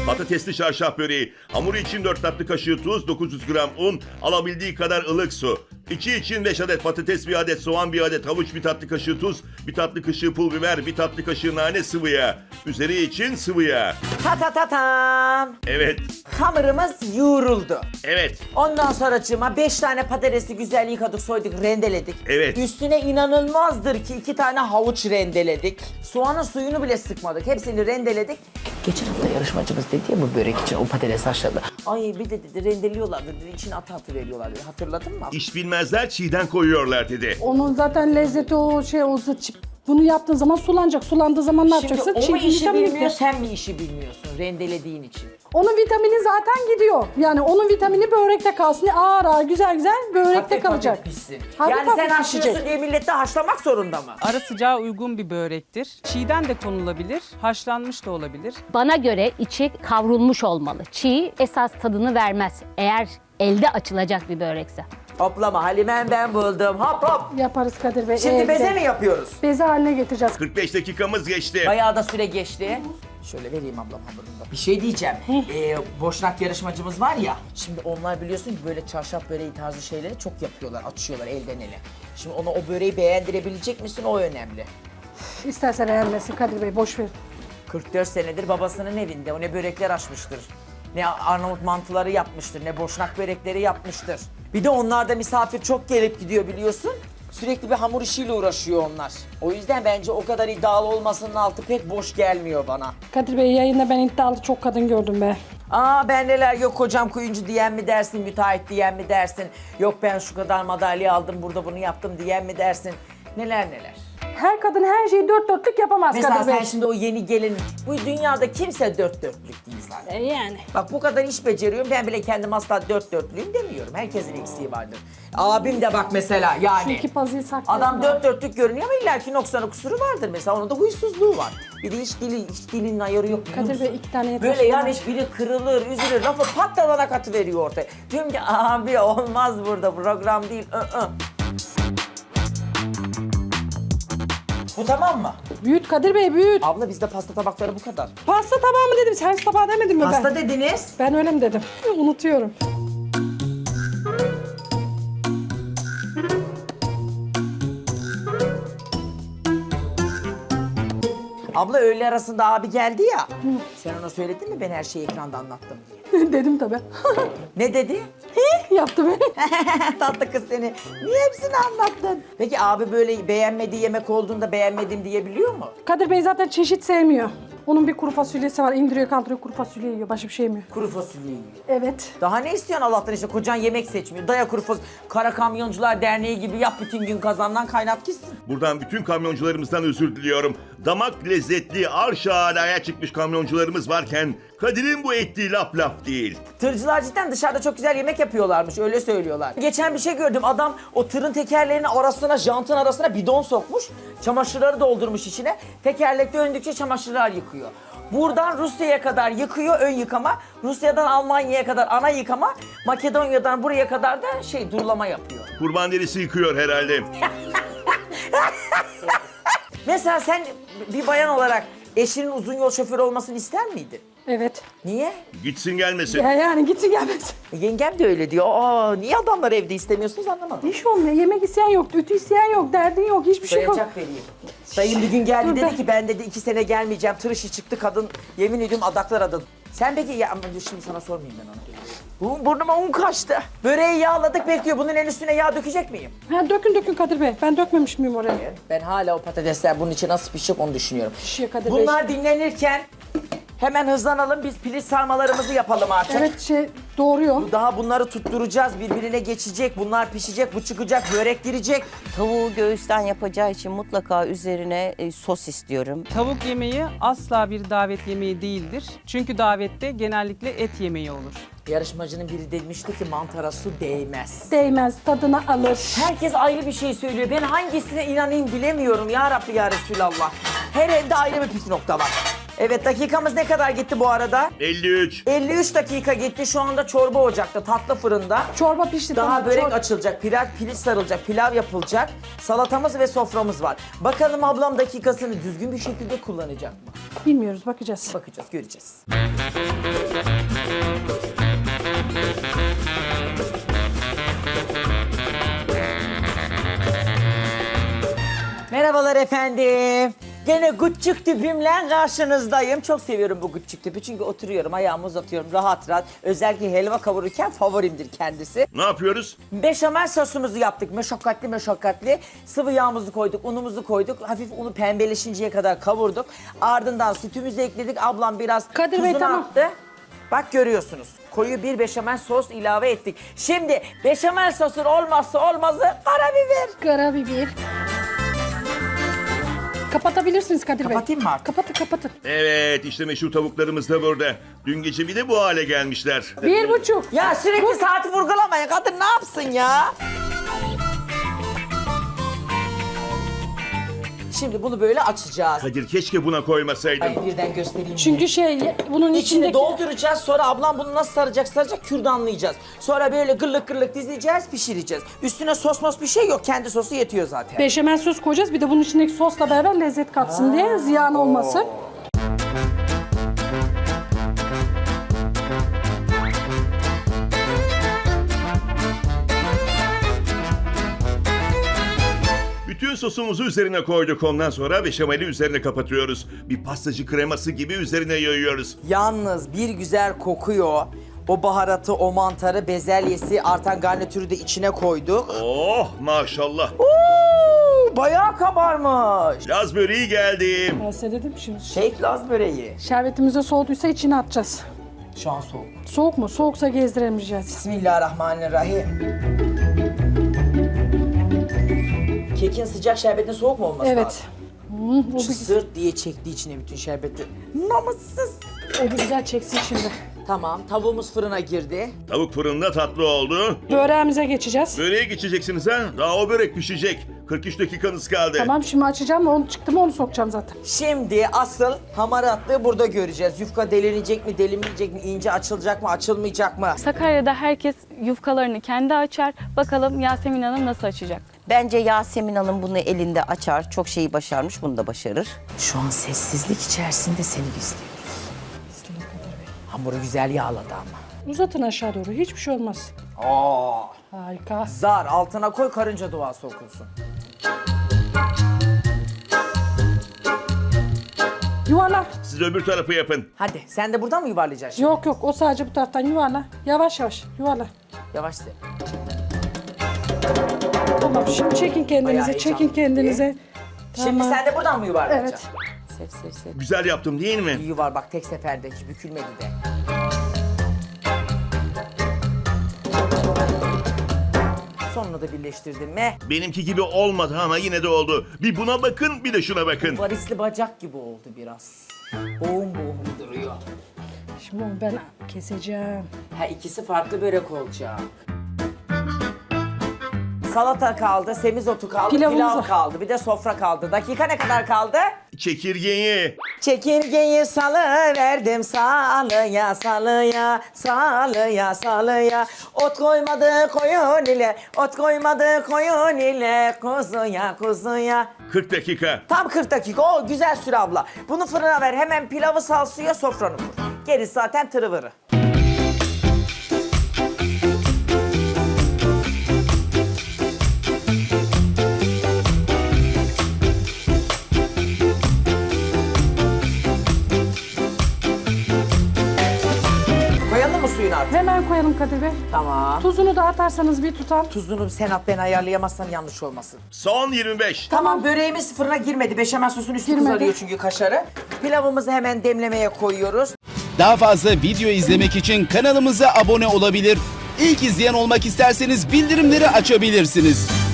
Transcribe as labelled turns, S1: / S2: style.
S1: Patatesli çarşaf böreği. Hamuru için 4 tatlı kaşığı tuz, 900 gram un, alabildiği kadar ılık su. İçi için 5 adet patates, 1 adet soğan, 1 adet havuç, 1 tatlı kaşığı tuz, 1 tatlı kaşığı pul biber, 1 tatlı kaşığı nane, sıvı yağ. Üzeri için sıvı yağ.
S2: Ta ta ta tam.
S1: Evet,
S2: Hamurumuz yoğruldu.
S1: evet.
S2: Ondan sonracığıma 5 tane patatesi güzel yıkadık, soyduk, rendeledik.
S1: Evet.
S2: Üstüne inanılmazdır ki 2 tane havuç rendeledik. Soğanın suyunu bile sıkmadık. Hepsini rendeledik. Geçen hafta yarışmacımız dedi ya bu börek için o patates haşladı. Ay bir de dedi rendeliyorlardı dedi, içine atı veriyorlar dedi. Hatırladın mı?
S1: İş bilmezler çiğden koyuyorlar dedi.
S3: Onun zaten lezzeti o şey olsa bunu yaptığın zaman sulanacak. Sulandığı zaman ne yapacaksın?
S2: Şimdi o mu
S3: Çiğ
S2: işi
S3: vitamin
S2: bilmiyor,
S3: ekle.
S2: sen mi işi bilmiyorsun rendelediğin için?
S3: Onun vitamini zaten gidiyor. Yani onun vitamini börekte kalsın. Ağır ağır güzel güzel börekte
S2: Hafif
S3: kalacak.
S2: hafif pişsin.
S3: Hafif
S2: Yani sen
S3: hafif
S2: haşlıyorsun
S3: pişecek.
S2: diye millet de haşlamak zorunda mı?
S4: Ara sıcağa uygun bir börektir. Çiğden de konulabilir, haşlanmış da olabilir.
S5: Bana göre içi kavrulmuş olmalı. Çiğ esas tadını vermez. Eğer elde açılacak bir börekse.
S2: Hoplama Halime'm ben buldum. Hop hop.
S3: Yaparız Kadir Bey.
S2: Şimdi
S3: evde.
S2: beze mi yapıyoruz?
S3: Beze haline getireceğiz.
S1: 45 dakikamız geçti.
S2: Bayağı da süre geçti. Şöyle vereyim ablam hamurunu da. Bir şey diyeceğim. Boşnak yarışmacımız var ya. Şimdi onlar biliyorsun ki böyle çarşaf böreği tarzı şeyleri çok yapıyorlar. Açıyorlar elden ele. Şimdi ona o böreği beğendirebilecek misin o önemli.
S3: İsterse beğenmesin Kadir Bey, boş ver.
S2: 44 senedir babasının evinde. O ne börekler açmıştır. Ne Arnavut mantıları yapmıştır. Ne boşnak börekleri yapmıştır. Bir de onlarda misafir çok gelip gidiyor biliyorsun. Sürekli bir hamur işiyle uğraşıyor onlar. O yüzden bence o kadar iddialı olmasının altı pek boş gelmiyor bana.
S3: Kadir Bey yayında ben iddialı çok kadın gördüm be.
S2: Aa ben neler yok kocam kuyumcu diyen mi dersin, müteahhit diyen mi dersin, yok ben şu kadar madalya aldım burada bunu yaptım diyen mi dersin, neler neler.
S3: Her kadın her şeyi dört dörtlük yapamaz
S2: Mesela
S3: Kadir Bey.
S2: sen şimdi o yeni gelin, bu dünyada kimse dört dörtlük değil zaten.
S3: Yani.
S2: Bak bu kadar iş beceriyorum, ben bile kendim asla dört dörtlüyüm demiyorum. Herkesin eksiği vardır. Abim de bak mesela
S3: Şu
S2: yani.
S3: iki pazıyı saklayalım.
S2: Adam dört dörtlük görünüyor ama illaki noksanı kusuru vardır mesela. Onun da huysuzluğu var. Bir de hiç dilinin ayarı yok. biliyor
S3: Kadir
S2: musun?
S3: Bey 2 tane yeter.
S2: Böyle yani biri kırılır, üzülür, lafı patladana katı veriyor ortaya. Diyorum ki abi olmaz burada, program değil. Bu tamam mı?
S3: Büyüt Kadir Bey, büyüt.
S2: Abla bizde pasta tabakları bu kadar.
S3: Pasta tabağı mı dedim, servis tabağı demedim mi ben?
S2: Pasta dediniz.
S3: Ben öyle mi dedim? Unutuyorum.
S2: Abla öğle arasında abi geldi ya. Sen ona söyledin mi ben her şeyi ekranda anlattım diye?
S3: Dedim tabii.
S2: Ne dedi?
S3: Yaptı beni.
S2: Tatlı kız seni. Niye hepsini anlattın? Peki abi böyle beğenmediği yemek olduğunda beğenmedim diyebiliyor mu?
S3: Kadir Bey zaten çeşit sevmiyor. Onun bir kuru fasulyesi var. İndiriyor kaldırıyor kuru fasulye yiyor. Başka bir şey yemiyor.
S2: Kuru fasulye yiyor.
S3: Evet.
S2: Daha ne istiyorsun Allah'tan işte kocan yemek seçmiyor. Daya kuru fasulye. Kara Kamyoncular Derneği gibi yap bütün gün kazandan kaynat gitsin.
S1: Buradan bütün kamyoncularımızdan özür diliyorum. Damak lezzetli, arş alaya çıkmış kamyoncularımız varken Kadir'in bu ettiği laf değil.
S2: Tırcılar cidden dışarıda çok güzel yemek yapıyorlarmış öyle söylüyorlar. Geçen bir şey gördüm adam o tırın tekerlerinin arasına jantın arasına bidon sokmuş. Çamaşırları doldurmuş içine. Tekerlek döndükçe çamaşırlar yıkıyor. Buradan Rusya'ya kadar yıkıyor ön yıkama. Rusya'dan Almanya'ya kadar ana yıkama. Makedonya'dan buraya kadar da durulama yapıyor.
S1: Kurban derisi yıkıyor herhalde.
S2: Mesela sen bir bayan olarak eşinin uzun yol şoförü olmasını ister miydin?
S3: Evet.
S2: Niye?
S1: Gitsin gelmesin.
S3: Yani gitsin gelmesin.
S2: Yengem de öyle diyor. Aa, niye adamlar evde istemiyorsunuz anlamadım.
S3: İş olmuyor. Yemek isteyen yok. Ütü isteyen yok. Derdin yok. Hiçbir şey yok.
S2: Sayacak vereyim. Dayım bir gün geldi
S3: Dur
S2: dedi
S3: ben-
S2: ki ben dedi 2 sene gelmeyeceğim. Tır işi çıktı kadın. Yemin ediyorum adaklar adın. Sen peki ya ama dur şimdi sana sormayayım ben onu. Burnuma un kaçtı. Böreği yağladık bekliyor. Bunun en üstüne yağ dökecek miyim?
S3: Ha, dökün Kadir Bey. Ben dökmemiş miyim oraya?
S2: Ben hala o patatesler bunun için nasıl pişecek onu düşünüyorum.
S3: Pişiyor Kadir Bey.
S2: Bunlar dinlenirken hemen hızlanalım. Biz piliç sarmalarımızı yapalım artık.
S3: Evet doğruyor.
S2: Daha bunları tutturacağız. Birbirine geçecek. Bunlar pişecek. Bu çıkacak. Börek girecek.
S6: Tavuğu göğüsten yapacağı için mutlaka üzerine sos istiyorum.
S4: Tavuk yemeği asla bir davet yemeği değildir. Çünkü davette genellikle et yemeği olur.
S2: Yarışmacının biri demişti ki mantara su değmez.
S3: Değmez. Tadını alır.
S2: Herkes ayrı bir şey söylüyor. Ben hangisine inanayım bilemiyorum ya Rabbi ya Resulallah. Her evde ayrı bir püf nokta var. Evet dakikamız ne kadar gitti bu arada?
S1: 53.
S2: 53 dakika gitti. Şu anda çorba ocakta, tatlı fırında.
S3: Çorba pişti.
S2: Daha
S3: tamam.
S2: börek açılacak, piliç sarılacak, pilav yapılacak. Salatamız ve soframız var. Bakalım ablam dakikasını düzgün bir şekilde kullanacak mı?
S3: Bilmiyoruz. Bakacağız.
S2: Bakacağız, göreceğiz. Merhabalar efendim. Gene gıççık tipimle karşınızdayım. Çok seviyorum bu gıççık tipi çünkü oturuyorum, ayağımı uzatıyorum rahat rahat. Özellikle helva kavururken favorimdir kendisi.
S1: Ne yapıyoruz?
S2: Beşamel sosumuzu yaptık. Meşakkatli. Sıvı yağımızı koyduk, unumuzu koyduk. Hafif unu pembeleşinceye kadar kavurduk. Ardından sütümüzü ekledik. Ablam biraz
S3: Kadir Bey,
S2: tuzunu
S3: tamam.
S2: attı. Bak görüyorsunuz. Koyu bir beşamel sos ilave ettik. Şimdi beşamel sosun olmazsa olmazı karabiber.
S3: Karabiber. Kapatabilirsiniz Kadir Bey.
S2: Kapatayım mı artık?
S3: Kapatın.
S1: Evet, işte meşhur tavuklarımız da burada. Dün gece bir de bu hale gelmişler.
S3: 1,5.
S2: Ya sürekli saati vurgulamayın. Kadın ne yapsın ya? Şimdi bunu böyle açacağız.
S1: Kadir keşke buna koymasaydın.
S2: Ay birden göstereyim.
S3: Çünkü bunun
S2: İçini
S3: içindeki...
S2: dolduracağız. Sonra ablam bunu nasıl saracak kürdanlayacağız. Sonra böyle gırlık dizeceğiz, pişireceğiz. Üstüne sos bir şey yok. Kendi sosu yetiyor zaten.
S3: Beşamel sos koyacağız. Bir de bunun içindeki sosla beraber lezzet katsın diye, ziyan olmasın.
S1: Bütün sosumuzu üzerine koyduk. Ondan sonra beşameli üzerine kapatıyoruz. Bir pastacı kreması gibi üzerine yayıyoruz.
S2: Yalnız bir güzel kokuyor. O baharatı, o mantarı, bezelyesi, artan garnitürü de içine koyduk.
S1: Oh maşallah.
S2: Bayağı kabarmış.
S1: Laz böreği geldi.
S3: Ben size dedim şimdi.
S2: Şehit Laz böreği.
S3: Şerbetimize soğuduysa içine atacağız.
S2: Şu an soğuk.
S3: Soğuk mu? Soğuksa gezdiremeyeceğiz.
S2: Bismillahirrahmanirrahim. Kekin sıcak şerbetin soğuk mu olması
S3: Evet.
S2: lazım?
S3: O bir,
S2: Sırt diye çekti içine bütün şerbeti. Namussuz.
S3: o bir güzel çeksin şimdi.
S2: Tamam, tavuğumuz fırına girdi.
S1: Tavuk fırında tatlı oldu.
S3: Böreğimize geçeceğiz.
S1: Böreğe geçeceksiniz ha. Daha o börek pişecek. 43 dakikanız kaldı.
S3: Tamam, şimdi açacağım. Onu çıktı mı onu sokacağım zaten.
S2: Şimdi asıl hamaratlığı burada göreceğiz. Yufka delinecek mi, delinmeyecek mi, ince açılacak mı, açılmayacak mı?
S7: Sakarya'da herkes yufkalarını kendi açar. Bakalım Yasemin Hanım nasıl açacak?
S6: Bence Yasemin Hanım bunu elinde açar. Çok şeyi başarmış, bunu da başarır.
S2: Şu an sessizlik içerisinde seni izliyoruz. Hamuru güzel yağladı ama.
S3: Uzatın aşağı doğru. Hiçbir şey olmaz.
S2: Aa,
S3: Harika.
S2: zar altına koy, karınca duası okunsun.
S3: Yuvarla.
S1: Siz öbür tarafı yapın.
S2: Hadi sen de buradan mı yuvarlayacaksın şimdi?
S3: Yok o sadece bu taraftan yuvarla. Yavaş yuvarla.
S2: Yavaş sen.
S3: Tamam, şimdi çekin
S2: Bayağı
S3: kendinize,
S2: heyecanlı.
S3: çekin kendinize.
S2: Şimdi
S3: Tamam.
S2: sen de buradan mı yuvarlayacaksın?
S3: Evet.
S2: Sev.
S1: Güzel yaptım değil mi?
S2: İyi yuvar bak, tek seferde hiç bükülmedi de. Sonunu da birleştirdin mi?
S1: Benimki gibi olmadı ama yine de oldu. Bir buna bakın, bir de şuna bakın.
S2: Varisli bacak gibi oldu biraz. Boğum duruyor.
S3: Şimdi onu ben keseceğim.
S2: Ha, ikisi farklı börek olacak. Salata kaldı, semizotu kaldı,
S3: Pilavımız
S2: pilav
S3: var.
S2: kaldı, bir de sofra kaldı. Dakika ne kadar kaldı?
S1: Çekirgeyi.
S2: Çekirgeyi salıverdim salıya. Ot koymadı koyun ile kuzuya.
S1: 40 dakika.
S2: Tam 40 dakika, o güzel süre abla. Bunu fırına ver, hemen pilavı sal suya, sofranı kur. Gerisi zaten tırıvırı. Koyalım mı suyunu artık?
S3: Hemen koyalım Kadir Bey.
S2: Tamam.
S3: Tuzunu da atarsanız bir tutam.
S2: Tuzunu sen at, ben ayarlayamazsam yanlış olmasın.
S1: Son 25.
S2: Tamam, böreğimiz fırına girmedi. Beşamel sosun üstü
S3: Girmedi.
S2: kızarıyor çünkü kaşarı. Pilavımızı hemen demlemeye koyuyoruz.
S8: Daha fazla video izlemek için kanalımıza abone olabilir. İlk izleyen olmak isterseniz bildirimleri açabilirsiniz.